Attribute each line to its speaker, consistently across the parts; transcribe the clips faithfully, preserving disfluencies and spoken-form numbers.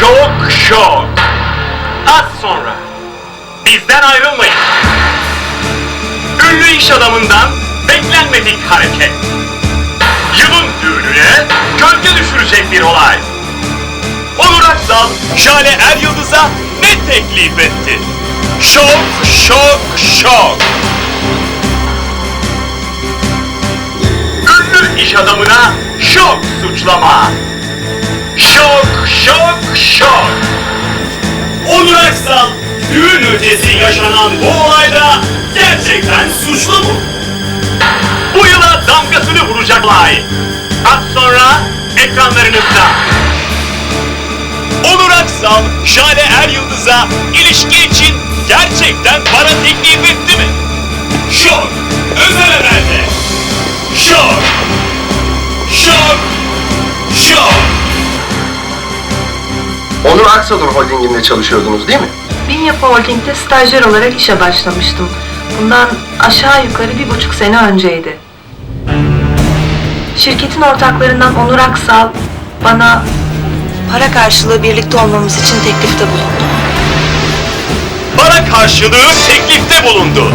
Speaker 1: Şok şok. Az sonra. Bizden ayrılmayın. Ünlü iş adamından beklenmedik hareket. Yılın düğününe gölge düşürecek bir olay. Onur Aksal, Jale Er Yıldız'a ne teklif etti? Şok şok şok. Ünlü iş adamına şok suçlama. Şok şok şok. Onur Aksal, düğün ötesi yaşanan bu olayda gerçekten suçlu mu? Bu yıla damgasını vuracak olay. Az sonra ekranlarınızda. Onur Aksal, Jale Er Yıldız'a ilişki için gerçekten para teklif etti mi? Şok, özel haberde. Şok, şok, şok.
Speaker 2: Onur Aksal'ın holdinginde çalışıyordunuz değil mi?
Speaker 3: Binyapı Holding'de stajyer olarak işe başlamıştım. Bundan aşağı yukarı bir buçuk sene önceydi. Şirketin ortaklarından Onur Aksal bana para karşılığı birlikte olmamız için teklifte bulundu.
Speaker 1: Para karşılığı teklifte bulundu.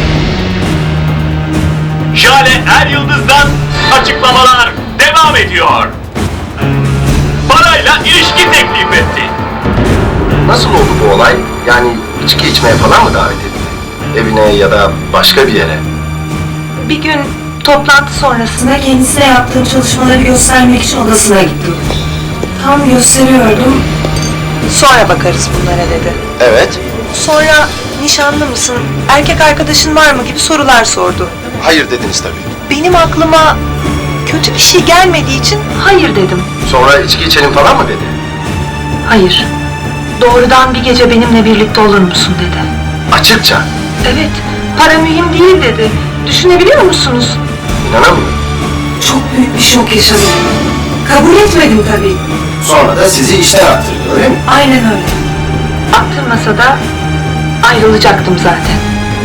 Speaker 1: Jale Er Yıldız'dan açıklamalar devam ediyor. Parayla ilişki teklif etti.
Speaker 2: Nasıl oldu bu olay? Yani içki içmeye falan mı davet etti? Evine ya da başka bir yere?
Speaker 3: Bir gün toplantı sonrasında kendisine yaptığım çalışmaları göstermek için odasına gittim. Tam gösteriyordum. Sonra bakarız bunlara dedi.
Speaker 2: Evet.
Speaker 3: Sonra nişanlı mısın, erkek arkadaşın var mı gibi sorular sordu.
Speaker 2: Hayır dediniz tabii.
Speaker 3: Benim aklıma kötü bir şey gelmediği için hayır dedim.
Speaker 2: Sonra içki içelim falan mı dedi?
Speaker 3: Hayır. Doğrudan bir gece benimle birlikte olur musun dedi.
Speaker 2: Açıkça.
Speaker 3: Evet, para mühim değil dedi. Düşünebiliyor musunuz?
Speaker 2: İnanamıyorum.
Speaker 3: Çok büyük bir şok yaşadım. Kabul etmedim tabii.
Speaker 2: Sonra da sizi işten attırdı öyle mi?
Speaker 3: Aynen öyle. Attırmasa da ayrılacaktım zaten.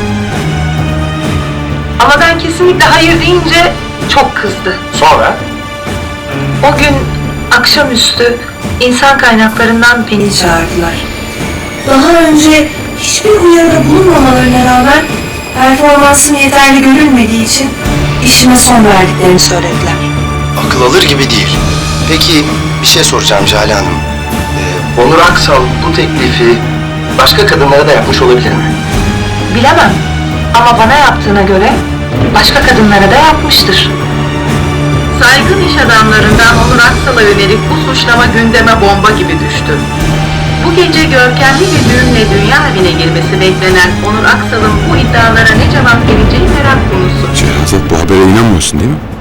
Speaker 3: Ama ben kesinlikle hayır deyince çok kızdı.
Speaker 2: Sonra?
Speaker 3: O gün akşamüstü insan kaynaklarından beni çağırdılar. Daha önce hiçbir uyarıda bulunmamalarına rağmen performansım yeterli görülmediği için işime son verdiklerini söylediler.
Speaker 2: Akıl alır gibi değil. Peki bir şey soracağım Jale Hanım. Ee, Onur Aksal bu teklifi başka kadınlara da yapmış olabilir mi?
Speaker 3: Bilemem ama bana yaptığına göre başka kadınlara da yapmıştır.
Speaker 4: Saygın iş adamlarından Onur Aksal'a yönelik bu suçlama gündeme bomba gibi düştü. Bu gece görkemli bir düğünle dünya evine girmesi beklenen Onur Aksal'ın bu iddialara ne cevap vereceği merak konusu.
Speaker 5: Şehrazat, bu habere inanmıyorsun değil mi?